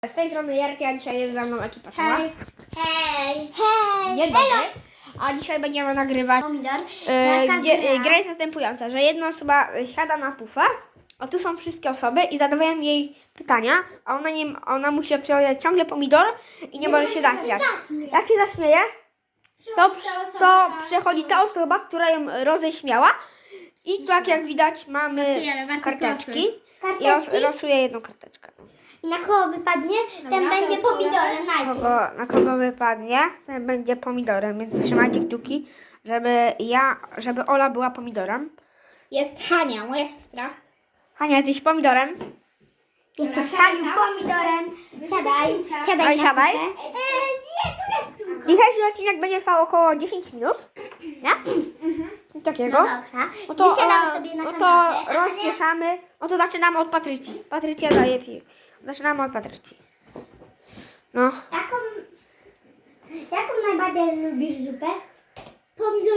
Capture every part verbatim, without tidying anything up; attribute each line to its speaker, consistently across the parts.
Speaker 1: Z tej strony Jarki, a dzisiaj jest ze mną ekipa cała.
Speaker 2: Hej! Hej! Hej!
Speaker 1: Dzień dobry. A dzisiaj będziemy nagrywać.
Speaker 2: Pomidor.
Speaker 1: E,
Speaker 2: Jaka
Speaker 1: gdzie,
Speaker 2: gra?
Speaker 1: e, gra jest następująca, że jedna osoba siada na pufę, a tu są wszystkie osoby i zadawają jej pytania, a ona, nie, ona musi odpowiadać ciągle pomidor i nie, może się zaśmiać. Jak się zaśmieje, to, to przechodzi ta osoba, która ją roześmiała i tak jak widać mamy
Speaker 2: Losujemy, Bartek,
Speaker 1: karteczki.
Speaker 2: losuj.
Speaker 1: I los,
Speaker 2: Karteczki?
Speaker 1: losuję jedną karteczkę.
Speaker 2: I na kogo wypadnie, ten
Speaker 1: to
Speaker 2: będzie pomidorem najpierw.
Speaker 1: Kogo, na kogo wypadnie, ten będzie pomidorem, więc trzymajcie kciuki, żeby ja, żeby Ola była pomidorem.
Speaker 2: Jest Hania, moja siostra.
Speaker 1: Hania, jesteś pomidorem?
Speaker 2: Jestem Haniu pomidorem. Siadaj, siadaj
Speaker 1: Oj,
Speaker 2: na
Speaker 1: siadaj.
Speaker 2: pupę. Eee, nie, tu jest piłka.
Speaker 1: Dzisiejszy odcinek będzie trwał około dziesięć minut, nie? Coś takiego.
Speaker 2: No dobra.
Speaker 1: No to,
Speaker 2: Wysiadamy
Speaker 1: e,
Speaker 2: sobie na
Speaker 1: no to
Speaker 2: kanapę.
Speaker 1: rozmieszamy. No to zaczynamy od Patrycji. Patrycja daje pi. Zaczynamy od Patrycji. No.
Speaker 2: Jaką, jaką najbardziej lubisz zupę? Pomidor.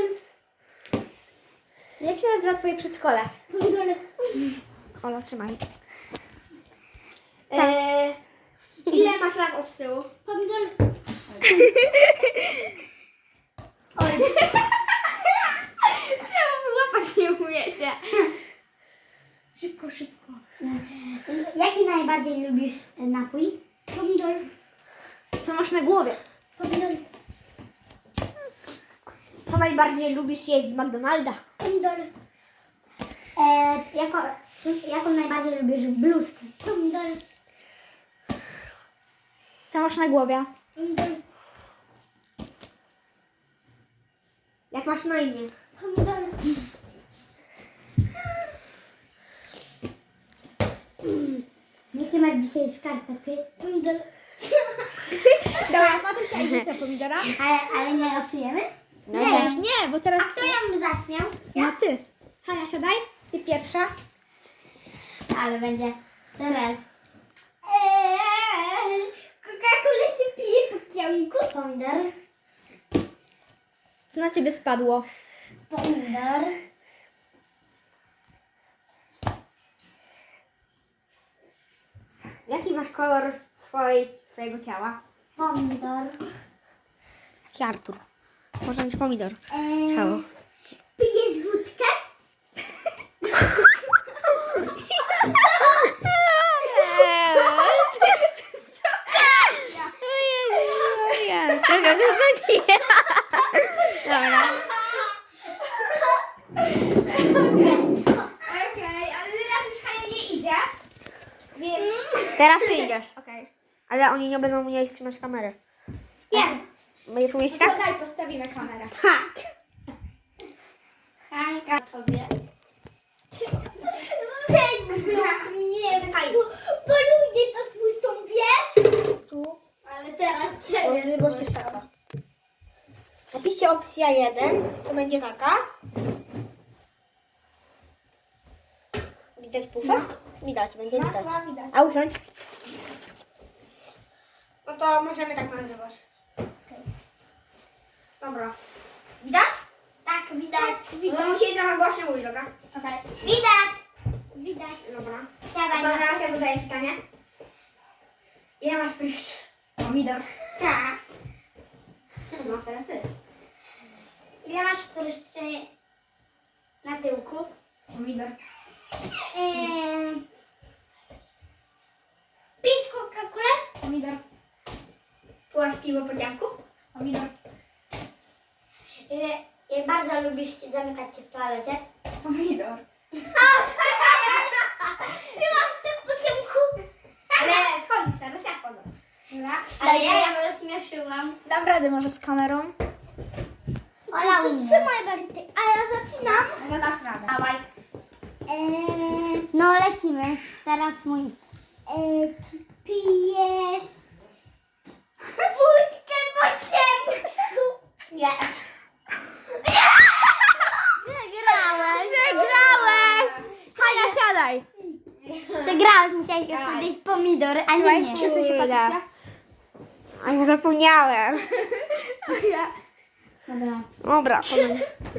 Speaker 2: Jak się nazywa twoje przedszkole? Pomidor.
Speaker 1: Ola, trzymaj. Eee, ile masz lat od tyłu?
Speaker 2: Pomidor. Oj.
Speaker 3: Czemu wyłapać nie umiecie?
Speaker 2: Szybko, szybko. Jaki najbardziej lubisz napój? Pomidor.
Speaker 3: Co masz na głowie?
Speaker 2: Pomidor.
Speaker 1: Co najbardziej lubisz jeść z McDonalda?
Speaker 2: Pomidor. E, jako, jaką najbardziej lubisz bluzkę? Pomidor.
Speaker 3: Co masz na głowie?
Speaker 2: Pomidor.
Speaker 1: Jak masz na imię?
Speaker 2: Pomidor. Jakie masz dzisiaj skarpety? Pomidor.
Speaker 3: Dobra, Patrycja, idziesz na pomidora?
Speaker 2: Ale, ale nie losujemy?
Speaker 1: No
Speaker 2: Nie.
Speaker 1: też.
Speaker 3: Nie, bo teraz...
Speaker 2: A kto ją zaśmiał?
Speaker 3: No ty. Hania, siadaj. Ty pierwsza.
Speaker 2: Ale będzie teraz. Eee, Coca-Cola się pije po ciągu. Pomidor.
Speaker 3: Co na ciebie spadło?
Speaker 2: Pomidor.
Speaker 1: Jaki masz kolor swojej, swojego ciała?
Speaker 2: Pomidor.
Speaker 1: Jaki Artur? Może mieć pomidor.
Speaker 2: Eee,
Speaker 1: Ciało.
Speaker 2: Pijesz wódkę?
Speaker 1: Dobra.
Speaker 3: Okej, ale teraz już Hania nie idzie. Więc...
Speaker 1: Teraz ty idziesz.
Speaker 3: Okej.
Speaker 1: Ale oni nie będą umieli trzymać kamery.
Speaker 2: Nie.
Speaker 1: Będziesz umieć
Speaker 3: To
Speaker 1: tak?
Speaker 3: daj, postawimy kamerę.
Speaker 2: Tak. Hanka tobie. Nie, czekaj. Bo ludzie to słyszą, wiesz?
Speaker 1: Tu.
Speaker 2: Ale teraz
Speaker 1: O, nie bądźcie taka. Napiszcie opcja jeden, to będzie taka. Widać pufę? Widać, będzie
Speaker 3: No,
Speaker 1: widać.
Speaker 3: no, widać.
Speaker 1: A usiądź. No to możemy tak nagrywać. Dobra. Widać?
Speaker 2: Tak, widać.
Speaker 1: No musicie trochę głośniej mówić, dobra?
Speaker 2: Okay. Widać. Widać.
Speaker 1: Dobra.
Speaker 2: Siadaj
Speaker 1: To
Speaker 2: na
Speaker 1: teraz ja zadaję pytanie. Ile masz pryszcz?
Speaker 3: Pomidor.
Speaker 2: Tak.
Speaker 1: No teraz ty.
Speaker 2: Ile masz pryszczy na tyłku?
Speaker 3: Pomidor.
Speaker 2: Eee... Pisz Coca-Colę?
Speaker 3: Pomidor.
Speaker 1: Piłaś piwo po dziadku?
Speaker 3: Pomidor.
Speaker 2: Ile, jak bardzo lubisz się zamykać się w toalecie?
Speaker 3: Pomidor.
Speaker 2: Byłaś tak po ciemku.
Speaker 1: Ale schodzisz, teraz jak chodzą.
Speaker 3: Dobra.
Speaker 2: Ale ja ją rozśmieszyłam.
Speaker 3: Dam radę może z kamerą.
Speaker 2: Ola umie. Trzymaj Bartek, a ja zaczynam.
Speaker 1: Zadasz radę. Dawaj.
Speaker 2: Eee, no lecimy. Teraz mój. Eee, czy pijesz wódkę po ciemku?
Speaker 1: Nie.
Speaker 2: Przegrałeś.
Speaker 3: Przegrałeś! Hania, siadaj!
Speaker 2: Przegrałeś, musiałeś powiedzieć pomidor, a nie
Speaker 3: Słuchaj,
Speaker 2: nie.
Speaker 3: przesuń się,
Speaker 1: Kurde.
Speaker 3: Patrycja.
Speaker 1: A ja zapomniałem.
Speaker 3: Ja.
Speaker 2: Dobra.
Speaker 1: Dobra, powiem.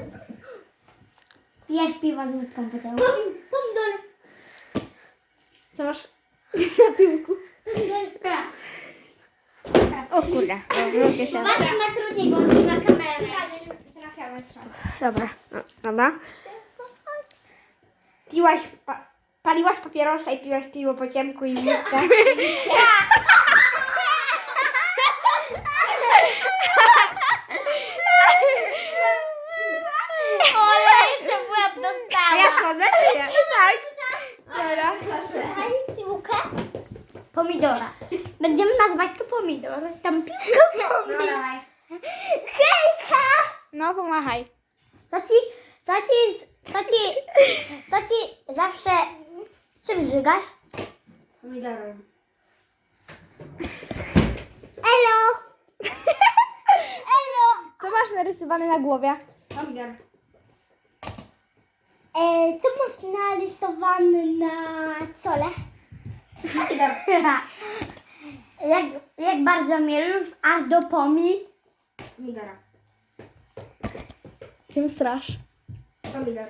Speaker 2: Pijesz piwo z wódką po ciemku. Pomidor.
Speaker 3: Co masz na tyłku?
Speaker 1: O kurde, wróćcie się.
Speaker 2: Bardzo ma trudniej, bo on na kamerę.
Speaker 3: Teraz ja będę trzymać.
Speaker 1: Dobra, no, dobra. Piłaś, pa, paliłaś papierosa i piłaś piwo po ciemku i w wódce.
Speaker 2: O, ja jeszcze w łeb
Speaker 1: A
Speaker 2: dostałam.
Speaker 1: ja wchodzę? czy nie? Tak. Dobra.
Speaker 2: Daj piłkę. Pomidora. Będziemy nazywać to pomidor. Tam piłkę
Speaker 1: No
Speaker 2: pomidor.
Speaker 1: dawaj.
Speaker 2: Hejka!
Speaker 1: No pomachaj.
Speaker 2: Co ci, co ci, co ci, co ci zawsze, czym żygasz?
Speaker 1: Pomidorem.
Speaker 2: Elo! Elo!
Speaker 1: Co masz narysowane na głowie? Pomidor.
Speaker 2: E, co masz narysowane na czole?
Speaker 1: Pomidor.
Speaker 2: jak, jak bardzo mnie lubisz, aż do pomi.
Speaker 1: Pomidora.
Speaker 3: Czym strasz?
Speaker 1: Pomidor.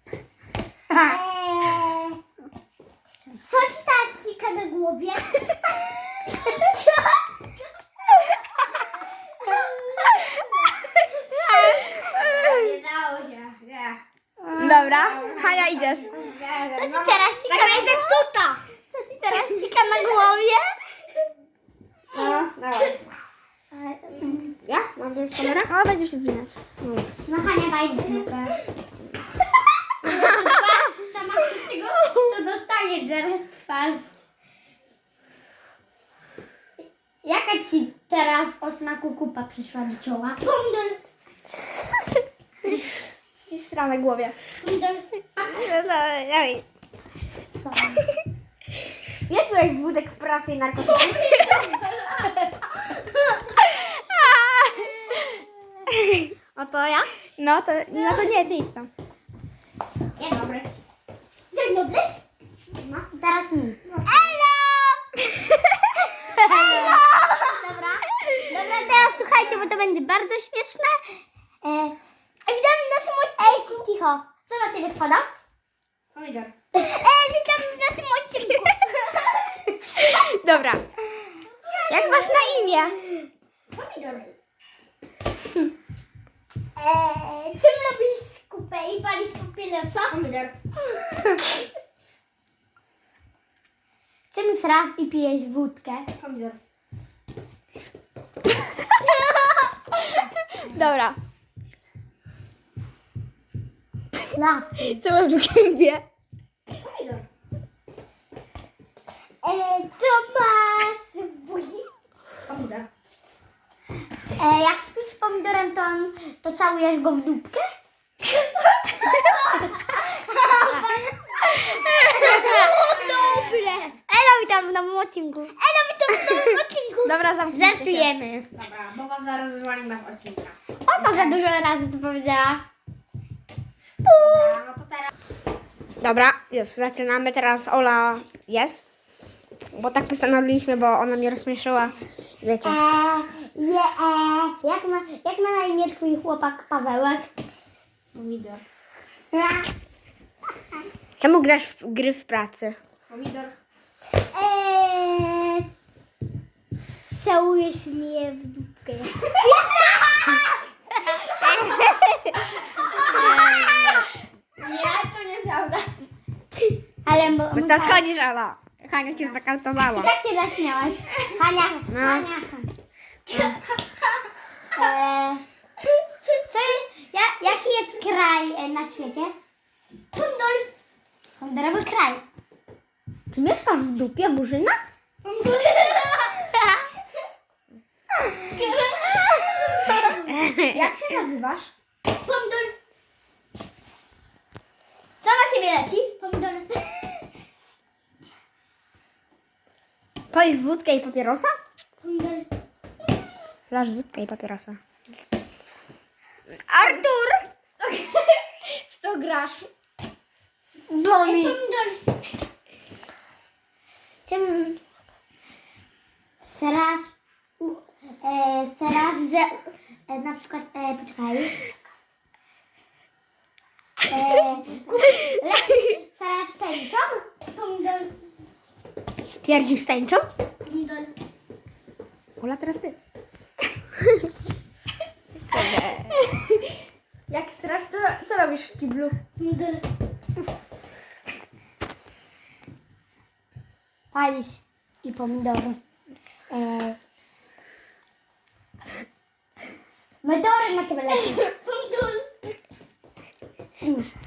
Speaker 2: Eee, co ci ta sika na głowie?
Speaker 1: Nie dało się. Nie.
Speaker 3: Dobra, Hania idziesz.
Speaker 2: Co ci teraz sika na głowie? Co ci teraz sika na głowie?
Speaker 1: No, dawaj. Ja? Mam już kamerę?
Speaker 3: O, będziesz się zmieniać.
Speaker 2: No Hania, daj piłkę. Sama z tego to dostaniesz zaraz twarz. Jaka ci teraz o smaku kupa przyszła do czoła? Pomidor.
Speaker 3: Ścistra na głowie.
Speaker 2: Pomidor.
Speaker 1: Dawaj.
Speaker 2: Co?
Speaker 1: Jak byłeś wódek w pracy i narkotyki?
Speaker 2: O to ja?
Speaker 3: No to, no to nie, ty idź tam.
Speaker 2: Dzień dobry. Dzień dobry. No, teraz mi. Elo! Elo! Dobra. Dobra, teraz słuchajcie, bo to będzie bardzo śmieszne. E, witamy w naszym odcinku. Ej, cicho. Co na ciebie spada?
Speaker 1: Pomidor.
Speaker 2: Ej, witamy w naszym odcinku.
Speaker 3: Dobra. Jak masz na imię?
Speaker 2: Pomidor. Eee, czym robisz kupę i palisz papierosa?
Speaker 1: Pomidor.
Speaker 2: Czym srasz i pijesz wódkę?
Speaker 1: Pomidor.
Speaker 3: Dobra.
Speaker 2: Lasy.
Speaker 3: Co masz w gębie?
Speaker 1: Pomidor.
Speaker 2: Eee, co masz w buzi?
Speaker 1: Pomidor.
Speaker 2: Eee, jak śpisz z pomidorem, to, on, to całujesz go w dupkę? Dobre. Elo, witam w nowym odcinku. Elo, witam w nowym odcinku.
Speaker 3: Dobra, zamknijcie się.
Speaker 2: Żartujemy.
Speaker 1: Dobra, bo was zaraz wywalimy w odcinka.
Speaker 2: Ona za dużo razy to powiedziała.
Speaker 1: Dobra, no to teraz... Dobra, już zaczynamy. Teraz Ola jest. Bo tak postanowiliśmy, bo ona mnie rozśmieszyła. Wiecie.
Speaker 2: Eee, nie, eee, jak, ma, jak ma na imię twój chłopak Pawełek?
Speaker 1: Pomidor. Czemu grasz w gry w pracy? Pomidor.
Speaker 2: Eee, całujesz mnie w dupkę.
Speaker 3: Nie, to nieprawda.
Speaker 2: Ale bo,
Speaker 1: No to schodzisz, Ola. Hania cię znokautowała.
Speaker 2: jak się zaśmiałaś? Hania,
Speaker 1: No.
Speaker 2: Hania, Hania. Eee, co, ja, jaki jest kraj e, na świecie? Pomidor. Pomidorowy kraj.
Speaker 1: Czy mieszkasz w dupie, Burzyna?
Speaker 2: Pomidor.
Speaker 3: Jak się nazywasz?
Speaker 2: Pomidor. Co na ciebie leci? Pomidor.
Speaker 1: Palisz wódkę i papierosa?
Speaker 2: Pomidor.
Speaker 1: Lasz wódkę i papierosa. Artur!
Speaker 3: W co grasz?
Speaker 2: Ej, pomidor. Czym serasz, u- e, serasz, że e, na przykład, e, poczekaj. E, kup, le, serasz tęczą? Pomidor.
Speaker 1: Pierdzisz tęczą?
Speaker 2: Pomidor.
Speaker 1: Ola, teraz ty.
Speaker 3: Jak strasz, to co robisz w kiblu?
Speaker 2: Pomidor. Palisz i pomidory. E... Pomidory macie lepiej.
Speaker 3: Pomidor.
Speaker 2: Mm.